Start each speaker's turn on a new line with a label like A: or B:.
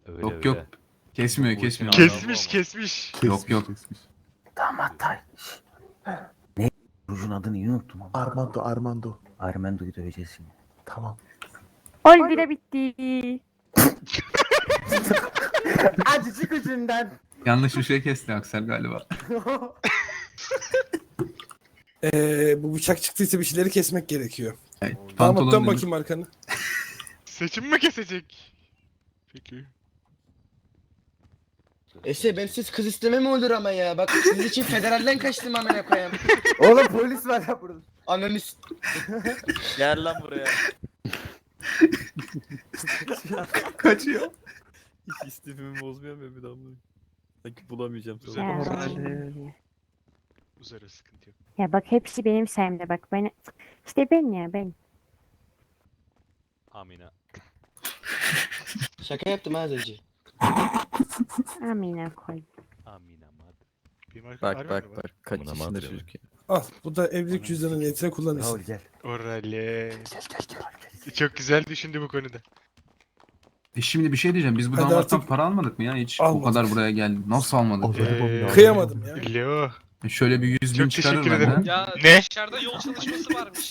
A: Öyle
B: Yok
A: öyle.
B: yok. Kesmiyor
A: Bu
B: kesmiyor.
A: işin
C: Kesmiş
A: Ama-
C: kesmiş.
B: Yok yok.
D: Damat tay. Ne? Rujun adını iyi unuttum ama.
E: Armando.
D: Armando'yu döveceğiz şimdi.
E: Tamam.
F: Oy bire bitti.
E: Acıcık ucundan.
B: Yanlış bir şey kesti Aksel galiba.
G: Bu bıçak çıktıysa bir şeyleri kesmek gerekiyor.
B: Evet,
G: Damat dön
B: demiş.
G: bakayım arkanı.
C: Seçim mi kesecek? Peki.
H: Ben siz kız isteme mi olur ama ya? Bak sizin için federalden kaçtım amına koyayım.
E: Oğlum polis var ya burada.
H: Ananı
A: Gel lan buraya.
B: Kaçıyor.
A: Hiç istifimi bozmuyor mu bir damla? Sanki bulamayacağım
C: Güzel.
A: sonra.
F: Ya,
C: Üzere sıkıntı yok.
F: ya bak hepsi benim sayemde bak. Ben, işte ben ya ben.
A: Amina.
H: Şaka yaptım az önce.
F: Amına koy.
A: Amina mad.
C: Bir marka
I: Bak
C: var
I: bak
C: mı?
I: bak. Kaç
A: Buna
I: yaşında
A: madre
I: çocuk ya.
G: Al bu da evlilik cüzdanı niyetine
D: Raul
G: kullanırsın.
D: gel.
C: Orale.
D: Gel.
C: Çok güzel düşündü bu konuda.
B: Şimdi bir şey diyeceğim. Biz bu
G: Hadi
B: damattan
G: artık.
B: para almadık mı ya hiç?
G: Almadık.
B: O kadar buraya geldik. Nasıl almadık?
G: Kıyamadım ya.
C: Leo.
B: Şöyle bir 100 bin
C: Çok
B: çıkarır
C: teşekkür ederim.
B: benden.
J: Ya
C: Ne?
J: dışarıda yol çalışması varmış.